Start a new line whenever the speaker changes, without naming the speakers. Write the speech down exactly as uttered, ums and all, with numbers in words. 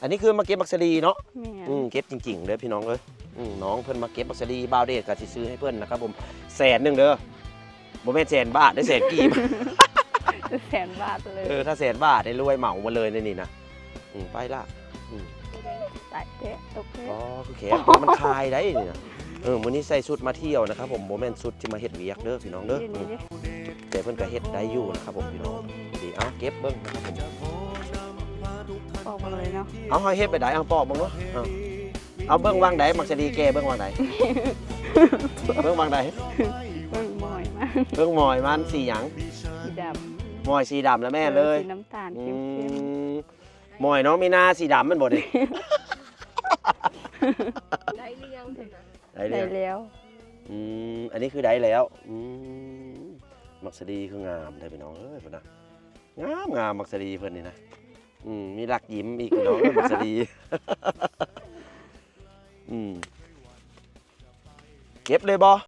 อันนี้คือมาเก็บบักสลีเนาะ
แม่น
อืมเก็บจริงๆเลยพี่น้องเอ้ยอืมน้องเพิ่นมาเก็บบักสลีบาวเดชก็สิซื้อให้เพิ่นนะครับผมแสนหนึงเด้อบ่แม่นแสนบาทได้แสนกีบ
แสนบาทเลย
เออถ้าแสนบาทได้รวยเหมามาเลยในนี่นะอืมไปละอืม
ตายเตะตกเตะ
อ๋อคือแขนมันคลายได้นี่นะเออมื้อนี้ใส่ชุดมาเที่ยวนะครับผมบ่แม่นชุดที่มาเฮ็ดเวียกเด้อพี่น้องเด้อ
นี่
อืม
นี่
แต่เพิ่นก็เฮ็ดได้อยู่นะครับผมพี่น้องดีเอาเก็บเบิ่งนะครับผม
ออกมาเลยเนาะ
เอาเฮาเฮ็ดไปได้เอาปอกเบิ่งเนาะเอาเอาเบิ่งวางใดมักจะดีแกเบิ่งวางใดเบิ่งวางใด
เบิ่งมอยมาก
เบิ่งหมอยมันสีหยัง
สีด
หมอยสีดำแล้ว
ำ
แม่เลย
สีน้ำตาล
อื
เข้ม
มหมอยน้องมีนาสีดำมันบ่ดิ
ได้หรือยังเถอะนะ
ได้
ๆ
เล
ได้
ย
แล้ว
อืมอันนี้คือได้แล้วอืมมักสดีคืองามได้พี่น้องเอ้ยพุ่นนะงามงามมักสดีเพิ่นนี่นะอืมมีหลักยิ้มอีกพี่น้องเอ้ยมักสดี อืมเก็บเลยบ่